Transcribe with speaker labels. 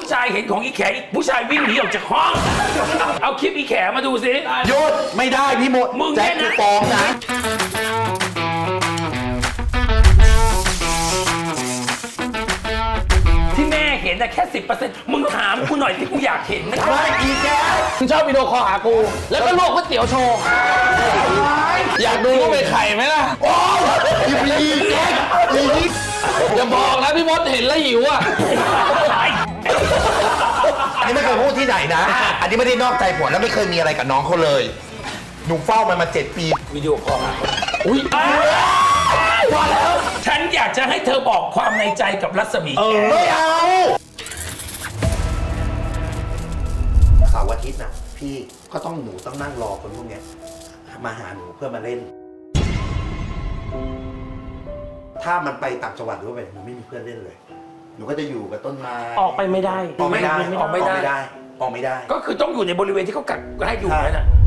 Speaker 1: ผู้ชายเห็นของอีแขอีกผู้ชายวิ่งหนีออกจากห้อง เอาคลิปอีแขมาดูสิ
Speaker 2: หยุดไม่ได้พี่มด
Speaker 1: มึง
Speaker 2: แจ็ค
Speaker 1: เนี่ยนะ
Speaker 2: กูฟ้องนะ
Speaker 1: ที่แม่เห็นนะแค่ 10%มึงถามกูหน่อยที่กูอยากเห็นนะ
Speaker 2: ไม่อีแก
Speaker 3: มึงชอบวิดีโอคอลหากู แล้วก็ลวกก๋วยเตี๋ยวโชว์ อยากดูว่าเป็นไข่ไหมล่ะ
Speaker 2: โอ้ยอีแกอีนี่
Speaker 3: อย่าบอกนะพี่มดเห็นแล้วหิวอ่ะ
Speaker 2: อันนี้ไม่เคยพูดที่ไหนนะ อันนี้ไม่ได้นอกใจผัวแล้วไม่เคยมีอะไรกับน้องเขาเลย หนูเฝ้ามันมา7 ปี
Speaker 1: วิดีโอคอลมาอุ้ยพอแล้วฉันอยากจะให้เธอบอกความในใจกับรัศมีแข
Speaker 2: ไม่เอาเสาร์อาทิตย์น่ะ พี่ก็ต้องหนูต้องนั่งรอคนพวกเนี้ยมาหาหนูเพื่อมาเล่น ถ้ามันไปต่างจังหวัดหรือว่าไปหนูไม่มีเพื่อนเล่นเลย หนูก็จะอยู่กับต้นไม้
Speaker 3: ออกไปไม่ได้
Speaker 2: ออกไม่ได้
Speaker 1: ออกไม่ได้
Speaker 2: ออกไม่ได้
Speaker 1: ก็คือต้องอยู่ในบริเวณที่เขากักให้อยู่
Speaker 2: ใช่
Speaker 1: นั่นน่ะ